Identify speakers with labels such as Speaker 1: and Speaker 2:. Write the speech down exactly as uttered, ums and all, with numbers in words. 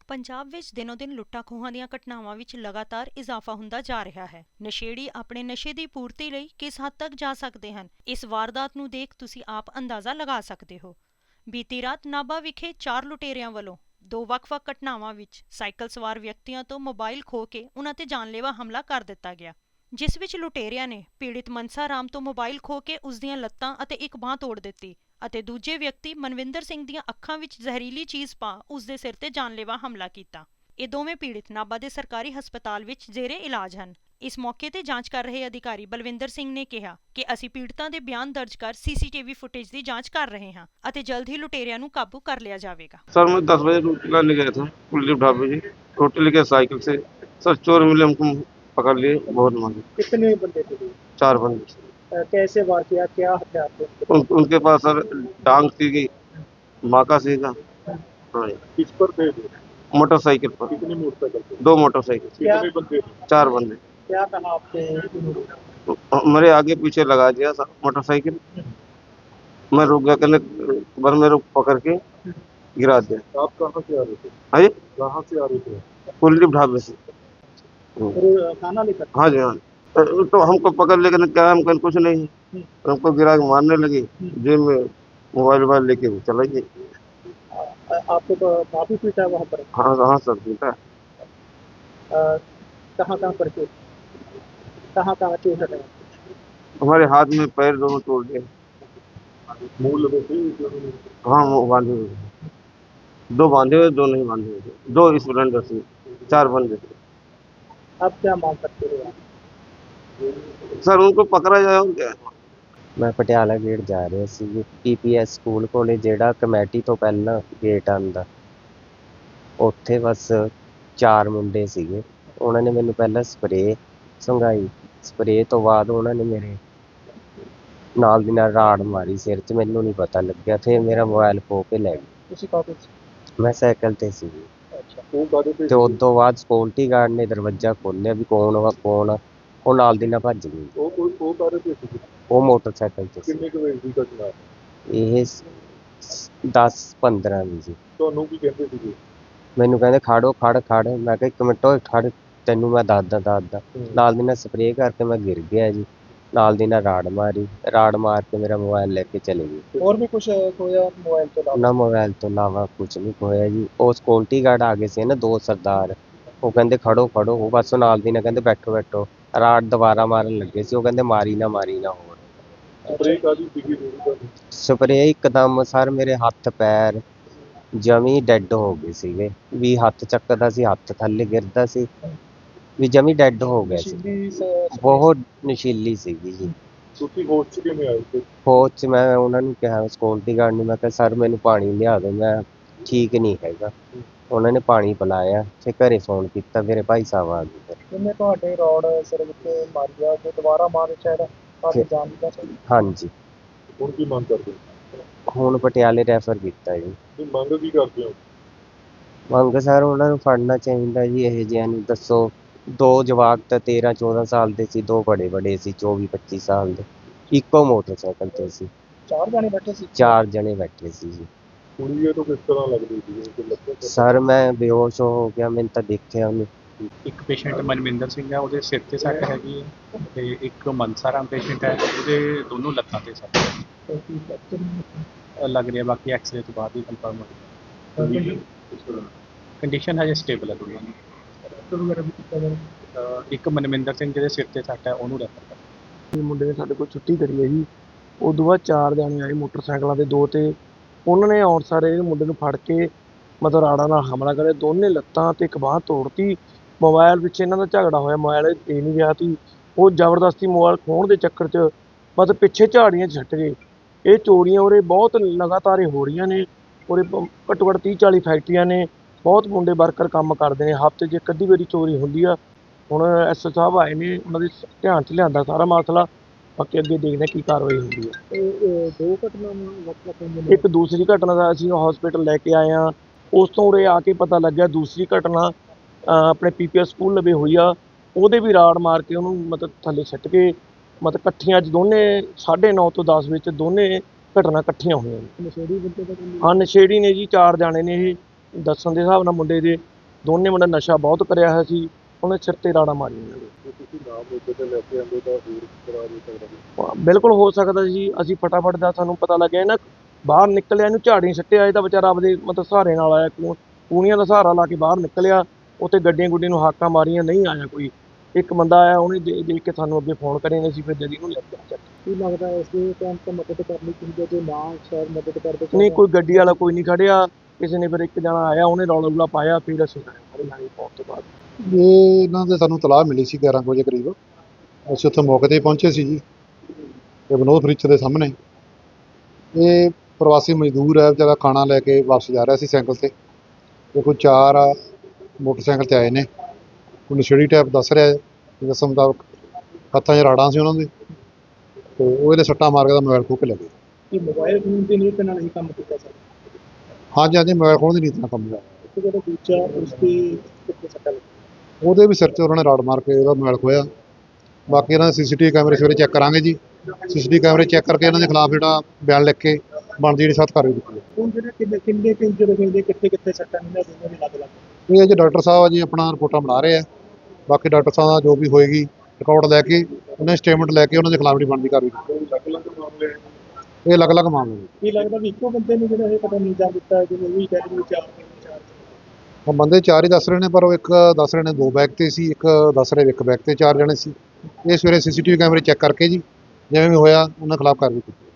Speaker 1: ਪੰਜਾਬ ਵਿੱਚ ਦਿਨੋ ਦਿਨ ਲੁੱਟਾਂ ਖੋਹਾਂ ਦੀਆਂ ਘਟਨਾਵਾਂ ਵਿੱਚ ਲਗਾਤਾਰ ਇਜ਼ਾਫਾ ਹੁੰਦਾ ਜਾ ਰਿਹਾ ਹੈ। ਨਸ਼ੇੜੀ ਆਪਣੇ ਨਸ਼ੇ ਦੀ ਪੂਰਤੀ ਲਈ ਕਿਸ ਹੱਦ ਤੱਕ ਜਾ ਸਕਦੇ ਹਨ, ਇਸ ਵਾਰਦਾਤ ਨੂੰ ਦੇਖ ਤੁਸੀਂ ਆਪ ਅੰਦਾਜ਼ਾ ਲਗਾ ਸਕਦੇ ਹੋ। ਬੀਤੀ ਰਾਤ ਨਾਭਾ ਵਿਖੇ ਚਾਰ ਲੁਟੇਰਿਆਂ ਵੱਲੋਂ ਦੋ ਵੱਖ-ਵੱਖ ਘਟਨਾਵਾਂ ਵਿੱਚ ਸਾਈਕਲ ਸਵਾਰ ਵਿਅਕਤੀਆਂ ਤੋਂ ਮੋਬਾਈਲ ਖੋਹ ਕੇ ਉਨ੍ਹਾਂ ਤੇ ਜਾਨਲੇਵਾ ਹਮਲਾ ਕਰ ਦਿੱਤਾ ਗਿਆ, ਜਿਸ ਵਿੱਚ ਲੁਟੇਰਿਆਂ ਨੇ ਪੀੜਿਤ ਮਨਸਾ ਰਾਮ ਤੋਂ ਮੋਬਾਈਲ ਖੋਹ ਕੇ ਉਸ ਦੀਆਂ ਲੱਤਾਂ ਅਤੇ ਇੱਕ ਬਾਂਹ ਤੋੜ ਦਿੱਤੀ ਅਤੇ ਦੂਜੇ ਵਿਅਕਤੀ ਮਨਵਿੰਦਰ ਸਿੰਘ ਦੀਆਂ ਅੱਖਾਂ ਵਿੱਚ ਜ਼ਹਿਰੀਲੀ ਚੀਜ਼ ਪਾ ਉਸ ਦੇ ਸਿਰ ਤੇ ਜਾਨਲੇਵਾ ਹਮਲਾ ਕੀਤਾ। ਇਹ ਦੋਵੇਂ ਪੀੜਿਤ ਨਾਭਾ ਦੇ ਸਰਕਾਰੀ ਹਸਪਤਾਲ ਵਿੱਚ ਜ਼ੇਰੇ ਇਲਾਜ ਹਨ। ਇਸ ਮੌਕੇ ਤੇ ਜਾਂਚ ਕਰ ਰਹੇ ਅਧਿਕਾਰੀ ਬਲਵਿੰਦਰ ਸਿੰਘ ਨੇ ਕਿਹਾ ਕਿ ਅਸੀਂ ਪੀੜਤਾਂ ਦੇ ਬਿਆਨ ਦਰਜ ਕਰ ਸੀਸੀਟੀਵੀ ਫੁਟੇਜ ਦੀ ਜਾਂਚ ਕਰ ਰਹੇ ਹਾਂ ਅਤੇ ਜਲਦ ਹੀ ਲੁਟੇਰਿਆਂ ਨੂੰ ਕਾਬੂ ਕਰ ਲਿਆ ਜਾਵੇਗਾ।
Speaker 2: सर मैं दस बजे रोटी लाने गया था कुलदीप ढाबे जी। रोटी लेके साइकिल से सर चोर मिले, हमको पकड़ लिए, बहुत मांगे।
Speaker 3: कितने बंदे थे?
Speaker 2: चार बंदे।
Speaker 3: अ, कैसे वार किया, क्या हथियार थे उनके
Speaker 2: उन, उनके पास सर डांग सीगी, माका सीगा। हाँ जी।
Speaker 3: किस पर थे?
Speaker 2: मोटरसाइकिल पर।
Speaker 3: कितनी मोटरसाइकिल पे?
Speaker 2: दो मोटरसाइकिल।
Speaker 3: कितने बंदे?
Speaker 2: चार बंदे।
Speaker 3: क्या कहा आपसे उन्होंने?
Speaker 2: मेरे आगे पीछे लगा दिया सर मोटरसाइकिल। मैं रुक गया, कहने बर मेरे को पकड़ के गिरा दिया।
Speaker 3: आप कहाँ से आ रहे थे?
Speaker 2: हाँ जी,
Speaker 3: कहाँ से आ रहे थे?
Speaker 2: कुलदीप ढाबे से।
Speaker 3: फिर खाना लेकर?
Speaker 2: हाँ जी हाँ। तो, तो हमको पकड़ लेकर क्या, हम कहीं कुछ नहीं है, हमको गिरा के मारने लगी। जेब में मोबाइल वोबाइल लेके भी चला गई।
Speaker 3: अ, आपको तो काफी पीटा है वहाँ पर?
Speaker 2: हाँ हाँ सर पीटा।
Speaker 3: अ, कहाँ कहाँ पर चोट, कहाँ कहाँ चोट है?
Speaker 2: हमारे हाथ में पैर दोनों तोड़ दिए।
Speaker 3: मुँह लगे थे?
Speaker 2: हाँ वो बांधे हुए थे। दो बांधे हुए, दो नहीं बांधे हुए थे। दो स्प्लेंडर से चार बंदे थे।
Speaker 3: आप क्या मांग करते हो आप?
Speaker 2: सर उनको पकड़ा जाए और क्या।
Speaker 4: ਮੈਂ ਪਟਿਆਲਾ ਗੇਟ ਜਾ ਰਿਹਾ ਸੀ ਜੀ। ਪੀਪੀਐਸ ਸਕੂਲ ਕੋਲੇ ਜਿਹੜਾ ਕਮੇਟੀ ਤੋਂ ਪਹਿਲਾਂ ਗੇਟ ਆਉਂਦਾ, ਉੱਥੇ ਬਸ ਚਾਰ ਮੁੰਡੇ ਸੀਗੇ। ਉਹਨਾਂ ਨੇ ਮੈਨੂੰ ਪਹਿਲਾਂ ਸਪਰੇਅ ਸੰਘਾਈ, ਸਪਰੇਅ ਤੋਂ ਬਾਅਦ ਉਹਨਾਂ ਨੇ ਮੇਰੇ ਨਾਲ ਦੀ ਨਾਲ ਰਾੜ ਮਾਰੀ ਸਿਰ 'ਚ। ਮੈਨੂੰ ਨਹੀਂ ਪਤਾ ਲੱਗਿਆ, ਫਿਰ ਮੇਰਾ ਮੋਬਾਈਲ ਖੋਹ ਕੇ ਲੈ ਗਏ।
Speaker 3: ਤੁਸੀਂ ਕਾਹਦੇ ਸੀ?
Speaker 4: ਮੈਂ ਸਾਈਕਲ ਤੇ ਸੀ ਜੀ।
Speaker 3: ਅੱਛਾ, ਉਹ ਕਾਹਦੇ ਤੇ?
Speaker 4: ਤੇ ਉਸ ਤੋਂ ਬਾਅਦ ਸਕਿਉਰਟੀ ਗਾਰਡ ਨੇ ਦਰਵਾਜ਼ਾ ਖੋਲ੍ਹਿਆ ਵੀ ਕੌਣ ਵਾ ਕੌਣ ਆ, ਉਹ ਨਾਲ ਦੀ ਨਾਲ ਭੱਜ ਗਈ।
Speaker 3: ਉਹ ਉਹ ਉਹ ਕਾਹਦੇ ਤੇ ਸੀ?
Speaker 4: ਉਹ ਮੋਟਰਸਾਈਕਲ ਤੇ ਸੀ।
Speaker 3: ਕਿੰਨੇ ਕੁ ਵਜੇ ਦੀ ਘਟਨਾ?
Speaker 4: ਇਹ ਦਸ ਪੰਦਰਾਂ ਦੀ ਜੀ।
Speaker 3: ਤੁਹਾਨੂੰ ਕੀ ਕਹਿੰਦੇ ਸੀਗੇ?
Speaker 4: ਮੈਨੂੰ ਕਹਿੰਦੇ ਖੜੋ ਖੜ ਖੜ ਮੈਂ ਕਿਹਾ ਇੱਕ ਮਿੰਟ ਓਏ ਖੜ, ਤੈਨੂੰ ਮੈਂ ਦੱਸਦਾ ਦੱਸਦਾ। ਨਾਲ ਦੀ ਨਾਲ ਸਪਰੇਅ ਕਰਕੇ ਮੈਂ ਗਿਰ ਗਿਆ ਜੀ। ਨਾਲ ਦੀ ਨਾਲ ਰਾੜ ਮਾਰੀ, ਰਾੜ ਮਾਰ ਕੇ ਮੇਰਾ ਮੋਬਾਈਲ ਲੈ ਕੇ ਚਲੇ ਗਏ।
Speaker 3: ਹੋਰ ਵੀ ਕੁਝ ਖੋਇਆ ਮੋਬਾਈਲ ਤੋਂ ਇਲਾਵਾ?
Speaker 4: ਨਾ ਮੋਬਾਈਲ ਤੋਂ ਇਲਾਵਾ ਕੁਝ ਨਹੀਂ ਖੋਇਆ ਜੀ। ਉਹ ਸਕਿਉਰਟੀ ਗਾਰਡ ਆ ਗਏ ਸੀ ਨਾ, ਦੋ ਸਰਦਾਰ, ਉਹ ਕਹਿੰਦੇ ਖੜੋ ਖੜੋ, ਉਹ ਬਸ ਨਾਲ ਦੀ ਨਾਲ ਕਹਿੰਦੇ ਬੈਠੋ ਬੈਠੋ। ਰਾੜ ਦੁਬਾਰਾ ਮਾਰਨ ਲੱਗੇ ਸੀ, ਉਹ ਕਹਿੰਦੇ ਮਾਰੀ ਨਾ ਮਾਰੀ ਨਾ ਹੋਰ।
Speaker 3: ਸਪਰੇਅ ਕਾਹਦੀ ਸੀਗੀ ਤੁਹਾਡੀ?
Speaker 4: ਸਪਰੇਅ ਇੱਕਦਮ ਸਰ ਮੇਰੇ ਹੱਥ ਪੈਰ ਜਮੀ ਡੈੱਡ ਹੋ ਗਏ ਸੀਗੇ ਵੀ ਹੱਥ ਚੱਕਦਾ ਸੀ, ਹੱਥ ਥੱਲੇ ਗਿਰਦਾ ਸੀ ਵੀ ਜਮੀ ਡੈੱਡ ਹੋ ਗਿਆ ਸੀ।
Speaker 3: ਨਸ਼ੀਲੀ ਸ-
Speaker 4: ਬਹੁਤ ਨਸ਼ੀਲੀ ਸੀਗੀ ਜੀ।
Speaker 3: ਤੁਸੀਂ ਹੋਸ਼ 'ਚ ਕਿਵੇਂ ਆਏ ਸੀ?
Speaker 4: ਫੌਜ 'ਚ ਮੈਂ ਉਹਨਾਂ ਨੂੰ ਕਿਹਾ ਸਕਿਉਰਟੀ ਗਾਰਡ ਨੂੰ, ਮੈਂ ਕਿਹਾ ਸਰ ਮੈਨੂੰ ਪਾਣੀ ਲਿਆ ਦਿਓ, ਮੈਂ ਠੀਕ ਨਹੀਂ ਹੈਗਾ। ਉਹਨਾਂ ਨੇ ਪਾਣੀ ਪਿਲਾਇਆ, ਫਿਰ ਘਰੇ ਫੋਨ ਕੀਤਾ, ਮੇਰੇ ਭਾਈ ਸਾਹਿਬ ਆ ਗਏ ਫਿਰ।
Speaker 3: ਉਹਨੇ ਤੁਹਾਡੇ ਰੋਡ ਸਿਰ ਵਿੱਚ ਮਾਰਿਆ ਤੇ ਦੁਬਾਰਾ ਮਾਰ ਚਾਹਿਆ ਤੁਹਾਡੀ ਜਾਨ ਦਾ ਸੀ?
Speaker 4: ਹਾਂਜੀ,
Speaker 3: ਹੁਣ ਕੀ ਮੰਗ ਕਰਦੇ
Speaker 4: ਹੁਣ ਪਟਿਆਲੇ ਰੈਫਰ ਕੀਤਾ ਜੀ।
Speaker 3: ਹੋ? ਮੰਗ ਕੀ ਕਰਦੇ ਹੋ?
Speaker 4: ਮੰਗ ਸਰ ਉਹਨਾਂ ਨੂੰ ਫੜਨਾ ਚਾਹੀਦਾ ਜੀ ਇਹੋ ਜਿਹਿਆਂ ਨੂੰ। ਦੱਸੋ, ਦੋ ਜਵਾਕ ਤਾਂ ਤੇਰਾਂ ਚੌਦਾਂ ਸਾਲ ਦੇ ਸੀ, ਦੋ ਬੜੇ ਬੜੇ ਸੀ ਚੌਵੀ ਪੱਚੀ ਸਾਲ ਦੇ, ਇੱਕੋ ਮੋਟਰਸਾਈਕਲ ਤੇ ਸੀ,
Speaker 3: ਚਾਰ ਜਾਣੇ ਬੈਠੇ ਸੀ?
Speaker 4: ਚਾਰ ਜਣੇ ਬੈਠੇ ਸੀ ਜੀ।
Speaker 3: ਕੁੜੀ ਇਹ ਤੋਂ ਕਿਸ ਤਰ੍ਹਾਂ ਲੱਗਦੀ ਸੀ?
Speaker 4: ਸਰ ਮੈਂ ਬੇਹੋਸ਼ ਹੋ ਗਿਆ, ਮੈਨੂੰ ਤਾਂ ਦੇਖਿਆ ਉਹਨੂੰ।
Speaker 5: ਇੱਕ ਪੇਸ਼ੈਂਟ ਮਨਵਿੰਦਰ ਸਿੰਘ ਹੈ, ਉਹਦੇ ਸਿਰ ਤੇ ਸੱਟ ਹੈਗੀ ਹੈ, ਤੇ ਇੱਕ ਮਨਸਾ ਰਾਮ ਪੇਸ਼ੈਂਟ ਹੈ, ਉਹਦੇ ਦੋਨੋਂ ਲੱਤਾਂ ਤੇ ਸੱਟ ਹੈ। ਲੱਗ ਰਿਹਾ, ਬਾਕੀ ਐਕਸਰੇ ਤੋਂ ਬਾਅਦ ਹੀ ਕਨਫਰਮ ਹੋਵੇਗਾ। ਕੰਡੀਸ਼ਨ ਹਜੇ ਸਟੇਬਲ ਹੈ ਦੋਨਾਂ ਦੀ। ਅਹ ਇੱਕ ਮਨਵਿੰਦਰ ਸਿੰਘ ਜਿਹਦੇ ਸਿਰ ਤੇ ਸੱਟ ਹੈ ਉਹਨੂੰ ਰੈਫਰ ਕਰ।
Speaker 6: ਇਹ ਮੁੰਡੇ ਨੇ ਸਾਡੇ ਕੋਲ ਛੁੱਟੀ ਕਰੀ ਹੈ ਜੀ। ਉਦੋਂ ਬਾਅਦ ਚਾਰ ਜਾਣੇ ਆਏ ਮੋਟਰਸਾਈਕਲਾਂ ਦੇ ਦੋ, ਤੇ ਉਹਨਾਂ ਨੇ ਆਉਣ ਸਾਰੇ ਇਹ ਮੁੰਡੇ ਨੂੰ ਫੜ ਕੇ ਮਤਲਬ ਰਾੜਾਂ ਨਾਲ ਹਮਲਾ ਕਰਿਆ, ਦੋਨੇ ਲੱਤਾਂ ਤੇ ਇੱਕ ਬਾਂਹ ਤੋੜਤੀ। ਮੋਬਾਈਲ ਪਿੱਛੇ ਇਹਨਾਂ ਦਾ ਝਗੜਾ ਹੋਇਆ, ਮੋਬਾਈਲ ਦੇ ਨਹੀਂ ਗਿਆ ਸੀ, ਉਹ ਜ਼ਬਰਦਸਤੀ ਮੋਬਾਈਲ ਖੋਹਣ ਦੇ ਚੱਕਰ 'ਚ ਮਤਲਬ ਪਿੱਛੇ ਝਾੜੀਆਂ 'ਚ ਛੱਟ ਗਏ। ਇਹ ਚੋਰੀਆਂ ਉਰੇ ਬਹੁਤ ਲਗਾਤਾਰ ਹੋ ਰਹੀਆਂ ਨੇ। ਉਰੇ ਘੱਟੋ ਘੱਟ ਤੀਹ ਚਾਲੀ ਫੈਕਟਰੀਆਂ ਨੇ, ਬਹੁਤ ਮੁੰਡੇ ਵਰਕਰ ਕੰਮ ਕਰਦੇ ਨੇ, ਹਫ਼ਤੇ 'ਚ ਇੱਕ ਅੱਧੀ ਵਾਰੀ ਚੋਰੀ ਹੁੰਦੀ ਆ। ਹੁਣ ਐਸ ਓ ਸਾਹਿਬ ਆਏ ਨੇ, ਉਹਨਾਂ ਦੇ ਧਿਆਨ 'ਚ ਲਿਆਂਦਾ ਸਾਰਾ ਮਸਲਾ, ਬਾਕੀ ਅੱਗੇ ਦੇਖਦੇ ਕੀ ਕਾਰਵਾਈ ਹੁੰਦੀ ਹੈ।
Speaker 3: ਦੋ ਘਟਨਾਵਾਂ ਵੱਖ-ਵੱਖ
Speaker 6: ਇੱਕ ਦੂਸਰੀ ਘਟਨਾ ਦਾ ਅਸੀਂ ਹਸਪੀਟਲ ਲੈ ਕੇ ਆਏ ਹਾਂ, ਉਸ ਤੋਂ ਉਰੇ ਆ ਕੇ ਪਤਾ ਲੱਗਿਆ ਦੂਸਰੀ ਘਟਨਾ ਆਪਣੇ ਪੀਪੀਐਸ ਸਕੂਲ ਲਵੇ ਹੋਈ ਆ। ਉਹਦੇ ਵੀ ਰਾੜ ਮਾਰ ਕੇ ਉਹਨੂੰ ਮਤਲਬ ਥੱਲੇ ਸੁੱਟ ਕੇ, ਮਤਲਬ ਇਕੱਠੀਆਂ 'ਚ ਦੋਨੇ ਸਾਢੇ ਨੌ ਤੋਂ ਦਸ ਵਿੱਚ ਦੋਨੇ ਘਟਨਾ ਇਕੱਠੀਆਂ ਹੋਈਆਂ ਨੇ।
Speaker 3: ਨਸ਼ੇੜੀ ਬੰਦੇ ਦਾ ਕੰਮ?
Speaker 6: ਹਾਂ ਨਸ਼ੇੜੀ ਨੇ ਜੀ, ਚਾਰ ਜਾਣੇ ਨੇ ਇਹ ਦੱਸਣ ਦੇ ਹਿਸਾਬ ਨਾਲ ਮੁੰਡੇ ਦੇ। ਦੋਨੇ ਮੁੰਡੇ ਨਸ਼ਾ ਬਹੁਤ ਕਰਿਆ ਹੋਇਆ ਸੀ, ਉਹਨੇ ਸਿਰ ਤੇ ਰਾੜਾਂ ਮਾਰੀਆਂ ਨੇ। ਹਾਂ, ਬਿਲਕੁਲ ਹੋ ਸਕਦਾ ਜੀ। ਅਸੀਂ ਫਟਾਫਟ ਦਾ ਸਾਨੂੰ ਪਤਾ ਲੱਗਿਆ ਨਾ, ਬਾਹਰ ਨਿਕਲਿਆ, ਇਹਨੂੰ ਝਾੜੀ ਸੁੱਟਿਆ, ਇਹ ਤਾਂ ਵਿਚਾਰਾ ਆਪਦੇ ਮਤਲਬ ਸਹਾਰੇ ਨਾਲ ਆਇਆ, ਕੂ ਕੂਣੀਆਂ ਦਾ ਸਹਾਰਾ ਲਾ ਕੇ ਬਾਹਰ ਨਿਕਲਿਆ। ਉੱਥੇ ਗੱਡੀਆਂ ਗੁੱਡੀਆਂ ਨੂੰ ਹਾਕਾਂ ਮਾਰੀਆਂ, ਨਹੀਂ ਆਇਆ ਕੋਈ। ਇੱਕ ਬੰਦਾ ਆਇਆ, ਉਹਨੇ ਦੇ ਦੇਖ ਕੇ ਸਾਨੂੰ ਅੱਗੇ ਫੋਨ ਕਰੇ ਨੇ, ਅਸੀਂ ਫਿਰ ਜਦੀ ਨੂੰ ਲੈ ਕੇ ਚੱਕ।
Speaker 3: ਕੀ ਲੱਗਦਾ ਇਸ ਦੇ ਟਾਈਮ ਤੇ ਮਦਦ ਕਰਨੀ ਚਾਹੀਦੀ ਹੈ, ਜੇ ਨਾ ਸ਼ਾਇਦ ਮਦਦ ਕਰਦੇ
Speaker 6: ਨਹੀਂ, ਕੋਈ ਗੱਡੀ ਵਾਲਾ ਕੋਈ ਨਹੀਂ ਖੜਿਆ, ਕਿਸੇ ਨੇ ਫਿਰ ਇੱਕ ਜਣਾ ਆਇਆ, ਉਹਨੇ ਰੌਲਾ ਰੂਲਾ ਪਾਇਆ, ਫਿਰ ਅਸੀਂ ਆਏ ਸਾਰੇ ਲਾਈ ਪਾਉਣ ਤੋਂ ਬਾਅਦ।
Speaker 7: ਇਹ ਇਹਨਾਂ ਦੇ ਸਾਨੂੰ ਤਲਾਹ ਮਿਲੀ ਸੀ ਗਿਆਰਾਂ ਕੁ ਵਜੇ ਕਰੀਬ। ਅਸੀਂ ਉੱਥੇ ਮੌਕੇ 'ਤੇ ਪਹੁੰਚੇ ਸੀ ਜੀ, ਇਹ ਵਿਨੋਦ ਫਰਿੱਜ ਦੇ ਸਾਹਮਣੇ। ਇਹ ਪ੍ਰਵਾਸੀ ਮਜ਼ਦੂਰ ਹੈ ਵਿਚਾਰਾ, ਖਾਣਾ ਲੈ ਕੇ ਵਾਪਸ ਜਾ ਰਿਹਾ ਸੀ ਸਾਈਕਲ 'ਤੇ। ਤੇ ਕੋਈ ਚਾਰ ਮੋਟਰਸਾਈਕਲ 'ਤੇ ਆਏ ਨੇ, ਕੋਈ ਨਸ਼ੇੜੀ ਟਾਈਪ ਦੱਸ ਰਿਹਾ ਹੈ, ਦੱਸਣ ਮੁਤਾਬਕ ਹੱਥਾਂ 'ਚ ਰਾੜਾਂ ਸੀ ਉਹਨਾਂ ਦੇ, ਤੇ ਉਹ ਇਹਦੇ ਸੱਟਾਂ ਮਾਰ ਕੇ ਦਾ ਮੋਬਾਈਲ ਖੋਹ ਕੇ ਲੈ ਗਏ।
Speaker 3: ਕਿ ਮੋਬਾਈਲ ਫੋਨ ਦੀ ਨੀਤ ਨਾਲ ਹੀ ਕੰਮ ਕੀਤਾ ਸਰ।
Speaker 7: ਹਾਂਜੀ ਹਾਂਜੀ, ਮੋਬਾਈਲ ਖੋਹਣ ਦੀ ਨੀਤ ਨਾਲ ਕੰਮ ਲਿਆ।
Speaker 3: ਤੇ ਜਿਹੜਾ ਦੂਜਾ ਉਸ ਦੀ ਕਿੱਥੇ ਸੱਟਾ ਲੱਗੀ?
Speaker 7: ਉਹਦੇ ਵੀ ਸਿਰ 'ਤੇ ਉਹਨਾਂ ਨੇ ਰਾੜ ਮਾਰ ਕੇ ਉਹਦਾ ਮੋਬਾਈਲ ਖੋਹਿਆ। ਬਾਕੀ ਇਹਨਾਂ ਦੇ ਸੀ ਸੀ ਟੀ ਵੀ ਕੈਮਰੇ ਸਵੇਰੇ ਚੈੱਕ ਕਰਾਂਗੇ ਜੀ। ਸੀ ਸੀ ਟੀ ਵੀ ਕੈਮਰੇ ਚੈੱਕ ਕਰਕੇ ਇਹਨਾਂ ਦੇ ਖਿਲਾਫ ਜਿਹੜਾ ਬਿਆਨ ਲਿਖ ਕੇ ਬਣਦੀ ਜਿਹੜੀ ਸਖਤ ਕਾਰਵਾਈ ਕੀਤੀ ਹੈ।
Speaker 3: ਹੁਣ ਜਿਹੜੇ ਕਿੰਨੇ ਕਿੰਨੇ ਕਿ ਜਿਹੜੇ ਕਹਿੰਦੇ ਕਿੱਥੇ ਕਿੱਥੇ ਸੱਟਾਂ ਨੇ ਦੋਨੋਂ ਦੇ ਲੱਗ ਲੱਗ
Speaker 7: ਇਹ ਜੇ ਡਾਕਟਰ ਸਾਹਿਬ ਆ ਜੀ ਆਪਣਾ ਰਿਪੋਰਟਾਂ ਬਣਾ ਰਹੇ ਆ। ਬਾਕੀ ਡਾਕਟਰ ਸਾਹਿਬ ਦਾ ਜੋ ਵੀ ਹੋਏਗੀ ਰਿਕਾਰਡ ਲੈ ਕੇ, ਉਹਨਾਂ ਦੀ ਸਟੇਟਮੈਂਟ ਲੈ ਕੇ ਉਹਨਾਂ ਦੇ ਖਿਲਾਫ ਜਿਹੜੀ ਬਣਦੀ ਕਾਰਵਾਈ ਕੀਤੀ। ਇਹ ਅਲੱਗ-ਅਲੱਗ ਮਾਮਲੇ ਨੇ।
Speaker 3: ਕੀ ਲੱਗਦਾ ਵੀ ਇੱਕੋ ਬੰਦੇ ਨੂੰ ਜਿਹੜਾ ਇਹ ਪਤਾ ਨਹੀਂ ਜਾ ਦਿੱਤਾ, ਜਿਵੇਂ ਵੀ ਕਹਿ ਰਹੇ ਚਾਰ ਚਾਰ
Speaker 7: ਉਹ ਬੰਦੇ ਚਾਰ ਹੀ ਦੱਸ ਰਹੇ ਨੇ, ਪਰ ਉਹ ਇੱਕ ਦੱਸ ਰਹੇ ਨੇ ਦੋ ਬੈਗ ਤੇ ਸੀ, ਇੱਕ ਦੱਸ ਰਹੇ ਇੱਕ ਬੈਗ ਤੇ ਚਾਰ ਜਣੇ ਸੀ। ਇਹ ਸਵੇਰੇ ਸੀ ਸੀ ਟੀ ਵੀ ਕੈਮਰੇ ਚੈੱਕ ਕਰਕੇ ਜੀ ਜਿਵੇਂ ਵੀ ਹੋਇਆ ਉਹਨਾਂ ਖਿਲਾਫ ਕਾਰਵਾਈ ਕੀਤੀ।